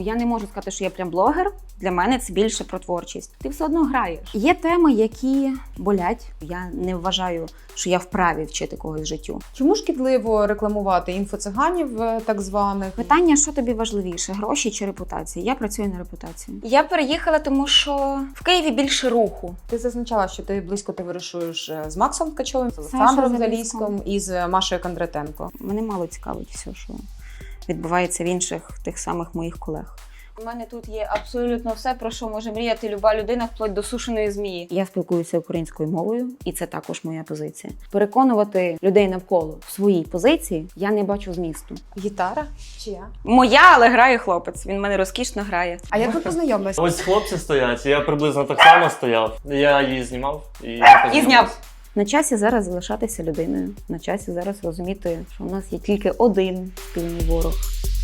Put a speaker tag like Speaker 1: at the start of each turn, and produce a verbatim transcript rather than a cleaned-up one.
Speaker 1: Я не можу сказати, що я прям блогер. Для мене це більше про творчість. Ти все одно граєш. Є теми, які болять. Я не вважаю, що я вправі вчити когось життю.
Speaker 2: Чому шкідливо рекламувати інфоциганів е, так званих?
Speaker 1: Питання, що тобі важливіше, гроші чи репутація? Я працюю на репутації. Я переїхала, тому що в Києві більше руху.
Speaker 2: Ти зазначала, що ти близько товаришуєш з Максом Ткачовим, з Олександром Заліськом і з Машею Кондратенко.
Speaker 1: Мене мало цікавить все, що відбувається в інших тих самих моїх колег. У мене тут є абсолютно все, про що може мріяти люба людина, вплоть до сушеної змії. Я спілкуюся українською мовою, і це також моя позиція. Переконувати людей навколо в своїй позиції я не бачу змісту.
Speaker 2: Гітара? Чия?
Speaker 1: Моя, але грає хлопець. Він в мене розкішно грає.
Speaker 2: А як ви познайомилися?
Speaker 3: Ось хлопці стоять, я приблизно так само стояв. Я її знімав і,
Speaker 1: І зняв. На часі зараз залишатися людиною. На часі зараз розуміти, що у нас є тільки один спільний ворог.